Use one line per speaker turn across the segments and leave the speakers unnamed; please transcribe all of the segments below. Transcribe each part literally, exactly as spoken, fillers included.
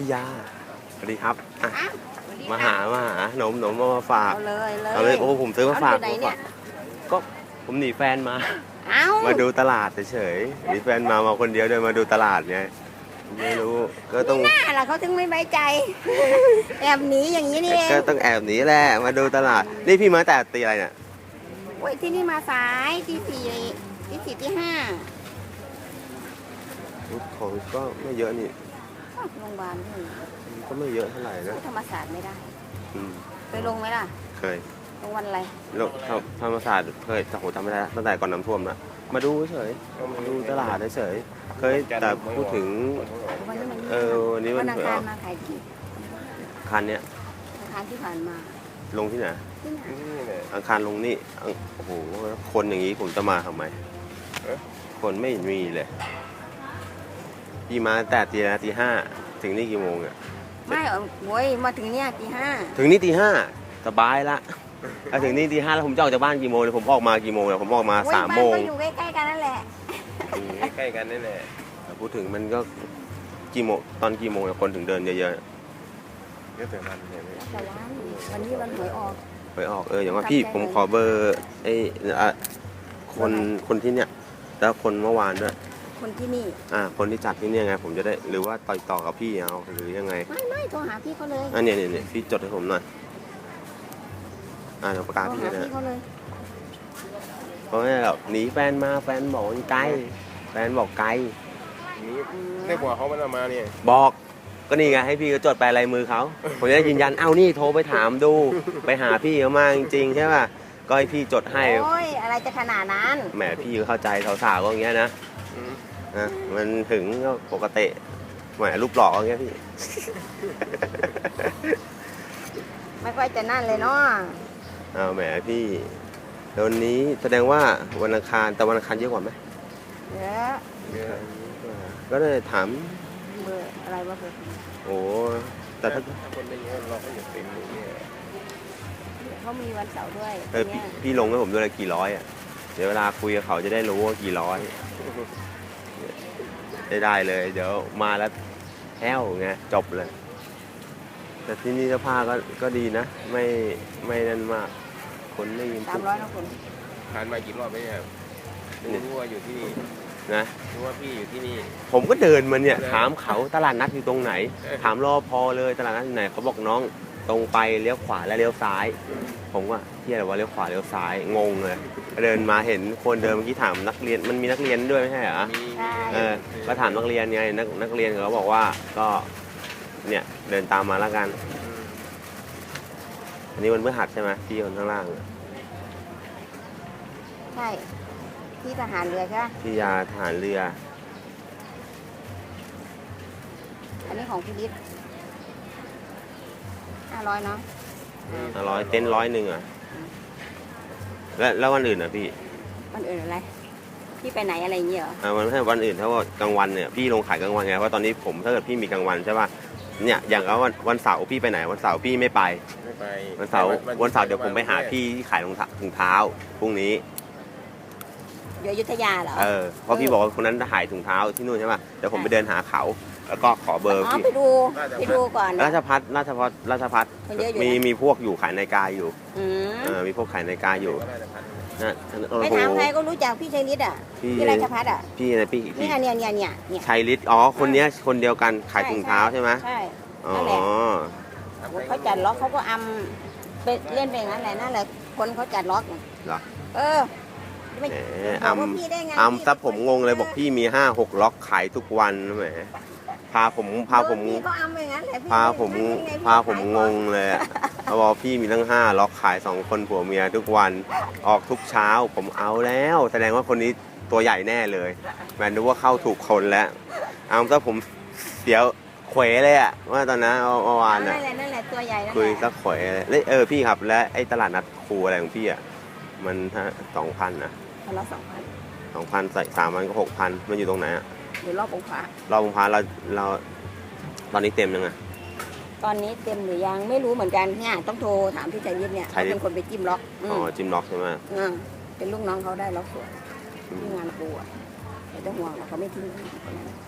พี่ยาสวัสดีครับอ่ะ
อ้าว
มาหามาหาหนมหนมเอามาฝาก
เอาเลยเลย
เอาเลยโอ้ผมซื้อมาฝาก
เออยู่ไหนเนี่ย
ก็ผมหนีแฟนมา
เอ้า
มาดูตลาดเฉยๆหนีแฟนมามาคนเดียวเดินมาดูตลาดไงไม่รู้ก็ต้อง
หน้าล่ะเขาถึงไม่ไว้ใจ แอบหนีอย่างนี้นี่เอง
ก็ต้องแอบหนีแหละมาดูตลาดนี่พี่มาแต่ตีอะไรเนี่ย
โอ้ยที่นี่มาสายที่สี่ที่สี่ที่ห้า
ของก็ไม่เยอะนี่
อ้าวโรงพยาบาลนี่
ก็ไม่เยอะเท่าไหร่นะ
ธรรมศาสตร์ไม่ได้
อืม
เคยลงไหมล่ะ
เคย
ลงวันอะไร
โลกธรรมศาสตร์เคยแต่โหจำไม่ได้ตั้งแต่ก่อนน้ำท่วมนะมาดูเฉยมาดูตลาดเฉยเคยแต่พูดถึง
วันนี้มัน
เออวันนี้มัน
วันอังคารมาขายดี
คันเนี้ย
อังคารที่ผ่านมา
ลงที่ไหน
ที่ไหน
อังคารลงนี่อังโอ้โหคนอย่างนี้ผมจะมาทำไมคนไม่มีเลยพี่มาแต่ตีนะตีห้าถึงนี่กี่โมงอ่ะ
ไม่เอาโว้ยมาถึงเนี่ยตีห้า
ถึงนี่ตีห้าสบายละถ้าถึงนี่ตีห้าแล้วผมจะออกจากบ้านกี่โมงเลยผมออกมากี่โมงเลยผมออกมา
โอ้ย
สาม
บ้น
โมง
ก็อยู่ใกล้ๆกันนั่นแหละ
ใกล้กันนั่นแหละ
แต่พูดถึงมันก็กี่โมงตอนกี่โมงเนี่ยคนถึงเดินเยอะ
เยอะแต่มันเนี่ย
แต่ร้านวันนี้วันหวยออก
ๆไปออกเอออย่างว่าพี่ผมขอเบอร์ไอ้อ่ะคนคนที่เนี่ยแล้วคนเมื่อวานด้วย
คนที่นี่
อ่าคนที่จัดที่เนี่ยไงผมจะได้หรือว่าต่อต่อกับพี่เอาหรือยังไง
ไม่ไม่โทรหาพี่เขาเลย
อันเนี้ยเนี่ยเนี่ยพี่จดให้ผมหน่อยอ่าเดี๋ยวประกาศ
โทร
พี่
หา
นะ
พี่เขาเลย
เพราะว่าแบบหนีแฟนมาแฟนบอกมันไกลแฟนบอกไกล
นี่ได้หัวเขามันเอามาเนี่ย
บอกก็นี่ไงให้พี่ก็จดไปลายมือเขาผมจะได้ยืนยันเอ้านี่โทรไปถามดูไปหาพี่เขามาจริงๆใช่ป่ะก็ให้พี่จดให้
โอ้ยอะไรจะขนาดนั้น
แหมพี่ก็เข้าใจสาวๆก็อย่างเงี้ยนะนะมันถึงก็ปกติแหมรูปหล่ออย่างเงี้ยพี่
ไม่ค่อยจะนั่นเลยเนาะ
เอาแหมพี่เดี๋ยววันนี้แสดงว่าวันอังคารแต่วันอังคารเยอะกว่าไหม
เดี๋ยว
ก็เลยถาม
เบอร์อะไรวะเบอร์
โอ้แต่ถ้า
ถ้าคนไม่เยอะเราก็อย่าเต็มอย่างเงี้ย
เขามีวันเสาร์ด้วย
เออพี่
เนี่ย
พี่ลงให้ผมด้วยละกี่ร้อยอ่ะเดี๋ยวเวลาคุยกับเขาจะได้รู้ว่ากี่ร้อยได้ได้เลย เดี๋ยวมาแล้วแห้วไงจบเลย แต่ที่นี่เสื้อผ้าก็ก็ดีนะ ไม่ไม่นั่นมาก คนไม่ยิน
สามร้อยนะคุณ
ผ่านมากี่รอบแล้วเนี่ยรู้ว่าอยู่ที่นี่
นะ
รู้ว่าพี่อยู่ที่นี่
ผมก็เดินมาเนี่ยถามเขาตลาดนัดอยู่ตรงไหน ถามรอพอเลยตลาดนัดอยู่ไหนเขาบอกน้องตรงไปเลี้ยวขวาและเลี้ยวซ้าย ผมว่าเที่ยอะไรวะเลี้ยวขวาเลี้ยวซ้ายงงเลยเดินมาเห็นคนเดินเมื่อกี้ถามนักเรียนมันมีนักเรียนด้วยไม่ใช่เหรอ
มี
ใช่
เออก็ถามนักเรียนไงนักนักเรียนเขาบอกว่าก็เนี่ยเดินตามมาแล้วกัน อันนี้มันเมื่อหัดใช่ไหมที่คนข้างล่างอะ
ใช่ที่ทหารเรือใช่ไหม
ที่ยาทหารเรือ
อันนี้ของพิลิตห้าร้อยเนาะ
ร้อยเต็นท์ร้อยหนึ่งอ่ะแล้วแล้ววันอื่นอ่ะพี่
วันอื่นอะไรพี่ไปไหนอะไรอย่างเงี้ยเหรอ
อ่าวันไม่ใช่วันอื่นถ้าว่ากลางวันเนี่ยพี่ลงขายกลางวันไงเพราะตอนนี้ผมถ้าเกิดพี่มีกลางวันใช่ป่ะเนี่ยอย่างก็วันวันเสาร์พี่ไปไหนวันเสาร์พี่ไม่ไป
ไม่ไป
วันเสาร์วันเสาร์เดี๋ยวผมไปหาพี่ที่ขายรองเท้าถุงเท้าพรุ่งนี้
อยู่อยุธยาเหรอ
เออเพราะพี่บอกว่าคนนั้นขายถุงเท้าที่นู่นใช่ป่ะเดี๋ยวผมไปเดินหาเขาแล้วก็ขอเบอร์
อ๋อ
พี่
ไปดูไปดูก่อนนะ
ราชพัฒราชพัฒราชพัฒ
คนเยอะอยู่
มี
นะ
มีพวกอยู่ขายนาฬิกาอยู่
อืม
เออมีพวกขายนาฬิกาอยู่
ก็ได้แต่พัน
นะโอ้
ไป
โห
ถามใครก็รู้จักพี่ชัยฤทธิ์อ่ะ
พี่
พี่ราชพัฒน์อ่ะ
พี่นะพี่พี่
เนี่ยเนี่ยเนี่ยเนี่ยเนี่ย
ชัยฤทธิ์อ๋อคนเนี้ยคนเดียวกันขายถุงเท้าใช่ไหม
ใช่
อ๋อ
นั่นแหละ เขาจัดล็อกเขาก็อำไปเล่นไปอย่างนั้นแหละนั่นแหละคนเขาจัดล็อก
เหรอ
เออไม่
แหม
บ
อั
อก
ม
ว่าพี่ได้ไง
อัมซะผมงงเลยบอกพี่มีห้าหกล็อกขายทุกวันแหมพาผมพาผม
พี่ก็อำไปอย่างนั้นแหละพี่
พาผม
ได้ไพี่
พาผมงงเลยอะเขาบอกพี่มีตั้งห้าล็อกขายสองคนผัวเมียทุกวันออกทุกเช้าผมเอาแล้ว แสดงว่าคนนี้ตัวใหญ่แน่เลยแมนดูว่าเข้าถูกคนแล้วอัมซะผมเสียวเขวเลยอะว่าตอนนั้นเมื่อวาน
นั่
อะ
นแหละนั่นแหละตัวใหญ่นั่น
คุย
แห
สั
ละ
กเขวเลยแล้วเออพี่ครับและไอ้ตลาดนัดครูอะไรของพี่อะมันสองพันนะ
คนละสองพัน
สองพันใส่สามวันก็หกพันมันอยู่ตรงไหนอะ
เดี๋ยวรอบองค์พระ
รอบองค์พระเราเราตอนนี้เต็มยังไง
ตอนนี้เต็มหรือยังไม่รู้เหมือนกันเนี่ยต้องโทรถามพี่ชัยฤทธิ์เนี่ย
ชัย
เขา
ฤทธิ์
เป็นคนไปจิ้มล็อกอื
อ๋อ
ม
จิมล็อกใช่ไหม
อ่าเป็นลูกน้องเขาได้ล็อกสวยที่งานปูอ่ะไม่ต้องห่วงหรอกเขาไม่ทิ้งคนนั้น
อ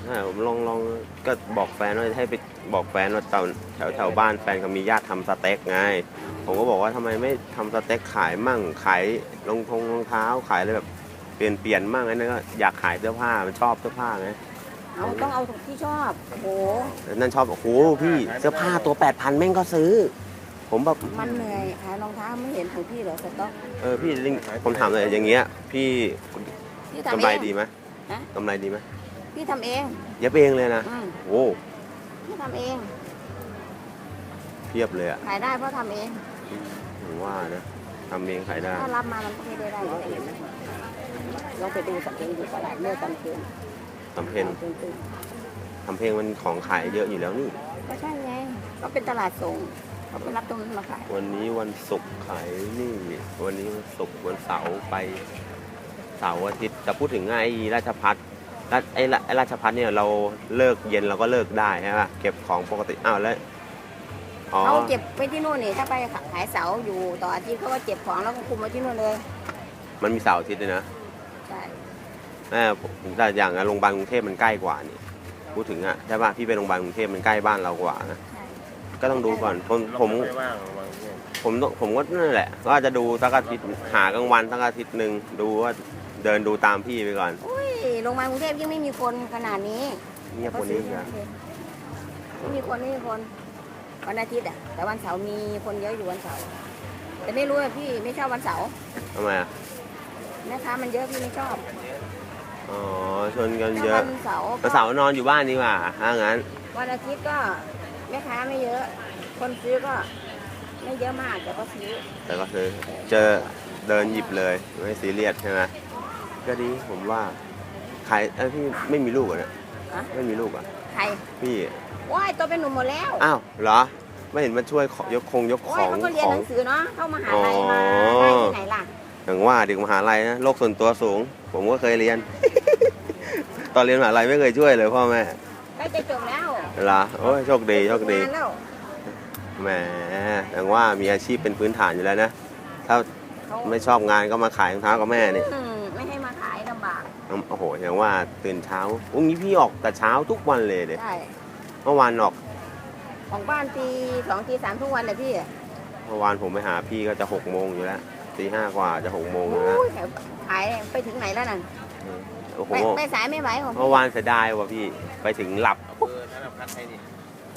ใช่ผมลองลองก็บอกแฟนว่าให้ไปบอกแฟนว่าแถวแถวแถวบ้านแฟนเขามีญาติทำสเต็กไงผมก็บอกว่าทำไมไม่ทำสเต็กขายมั่งขายรองทงรองเท้าขายอะไรแบบเปลี่ยนเปลี่ยนมั่งไอ้นั่นก็อยากขายเสื้อผ้ามันชอบเสื้อผ้าไง
เอาต้องเอาที่ชอบโอ้โห
นั่นชอบโอ้โหพี่เสื้อผ้าตัวแปดพันแม่งก็ซื้อ ผมแบบ
มันเหนื่อยขายรองเท้าไม่เห็นของพี่เหรอสต๊อก
เออพี่ลิงผมถามเลยอย่างเงี้ยพี่
พี่ทำ
กำ
เอ
ไรง ดีไหม
ฮะ
กำไรดีไหม
พี่ทำเอง
เย็บเองเลยนะ
อืม
โอ้
พี่ทำเอง
เทียบเลยอะ
ขายได้เพราะทำเอง
ผมว่านะทำเองขายได้
ถ้ารับมามันก็ไม่ได้ได้เห็นไหมลองไปดูสักเองดูตลาดเมื่อตอนคืน
ทำเพลง
ตื่นตื่น
ทำเพลงมันของขายเยอะอยู่แล้วนี่
ก็ใช่ไงก็เป็นตลาดส่งเขาไปรับตรงนั้นมาขาย
วันนี้วันศุกร์ขายนี่ วันนี้วันศุกร์วันเสาร์ไปเสาร์อาทิตย์จะพูดถึงไอ้ราชพัฒราชไอ้ราไอ้ราชพัฒเนี่ยเราเลิกเย็นเราก็เลิกได้ใช่ปะเก็บของปกติอ้าวแล้วอ๋อ
เขาเก็บไว้ที่นู่นนี่ถ้าไปขายเสาอยู่ต่ออาทิตย์เขาก็เก็บของแล้วก็คุมไว้ที่นู่นเลย
มันมีเสาร์อาทิตย์ด้วยนะ
ใช่
แม่ผมแต่อย่างโรงพยาบาลกรุงเทพมันใกล้กว่านี่พูดถึงอะใช่ป่ะพี่ไปโรงพยาบาลกรุงเทพมันใกล้บ้านเรากว่านะ
ใช่
ก็ต้องดูก่อนผมผม
ไม่ว่างบางที
ผมผมก็นั่นแหละก็อาจจะดูสักอาทิตย์หากลางวันสักอาทิตย์หนึ่งดูว่าเดินดูตามพี่ไปก่อน
อุ้ยโรงพยาบาลกรุงเทพยังไม่มีคนขนาดนี้
เงียบกว่านี้อีกนะ
ไม่มีคนไม่มีคนวันอาทิตย์อ่ะแต่วันเสาร์มีคนเยอะอยู่วันเสาร์แต่ไม่รู้อะพี่ไม่ชอบวันเสาร์
ทำไมอะ
แม่ค้ามันเยอะพี่ไม่ชอบ
อ๋อชนกัน
ถ้า
เยอะ
วันเสาร์
วันเสาร์นอนอยู่บ้านดีกว่าถ้างั้น
วันอาทิตย์ก็แม่ค้าไม่เยอะ คนซื้อก็ไม่เยอะมากแต่ก็ซื้อ
แต่ก็คือเจอเดินหยิบเลยไม่ซีเรียสใช่ไหมก็ดีผมว่าขายเอ้ยพี่ไม่มีลูกเหรอเนี่ย
ฮะ
ไม่มีลูกเหรอ่ะ
ใคร
พี่
ว้ายตัวเป็นหนุ่มหมดแล้ว
อ้าวเหรอไม่เห็นมาช่วยขอยกคงยก
โอ้
ข
ย
อง
เขาก็เรียน
ขอ
ห
ง
นังสือเนาะเข้ามาหาลัยมา
อ๋อ
ได้ที่ไหนล่ะ
อย่างว่าเด็กมหาลัยนะโลกส่วนตัวสูง ผมก็เคยเรียน ตอนเรียนมหาลัยไม่เคยช่วยเลยพ่อแม่
ใกล้จะจบแล้ว
เหรอโอ้ยโชคดีโชคดี
งานแล้ว
แหมอย่างว่ามีอาชีพเป็นพื้นฐานอยู่แล้วนะถ้า
เขา
ไม่ชอบงานก็มาขายรองเท้ากับแม่นี่
อืมไม่ให้มาขายลำบาก
โอ้โหอย่างว่าตื่นเช้าอุ้งนี้พี่ออกแต่เช้าทุกวันเลยเด็
ใช่
เมื่อวานออก
ของบ้านตีสองตีสามทุกวันเลยพี่
เมื่อวานผมไปหาพี่ก็จะหกโมงอยู่แล้วตีห้ากว่าจะหกโมงอยู่
โอ้
แล้ว
ยขายไปถึงไหนแล้วนั่น
โอ้โห
ไปไปสายไม่ไหวของ
เมื่อวานเสียดายว่ะพี่ไปถึงหลับ
เออธนพัฒน์ให้ดิ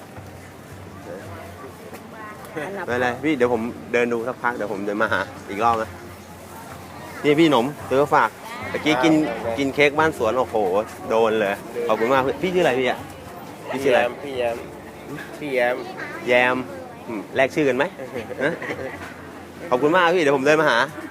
อันดับ
ไม่เป็นไรพี่เดี๋ยวผมเดินดูสักพักเดี๋ยวผมเดินมาหาอีกรอบนะนี่พี่หนมซื้อฝากเมื่อกี้กินกินเค้กบ้านสวนโอ้โหโดนเลยขอบคุณมากพี่ชื่ออะไรพี่อะพี่ชื่ออะไร
พี่แยมพี่แยม
แยมอืมแลกชื่อกันไหมฮะขอบคุณมากพี่เดี๋ยวผมเดินมาหา
ค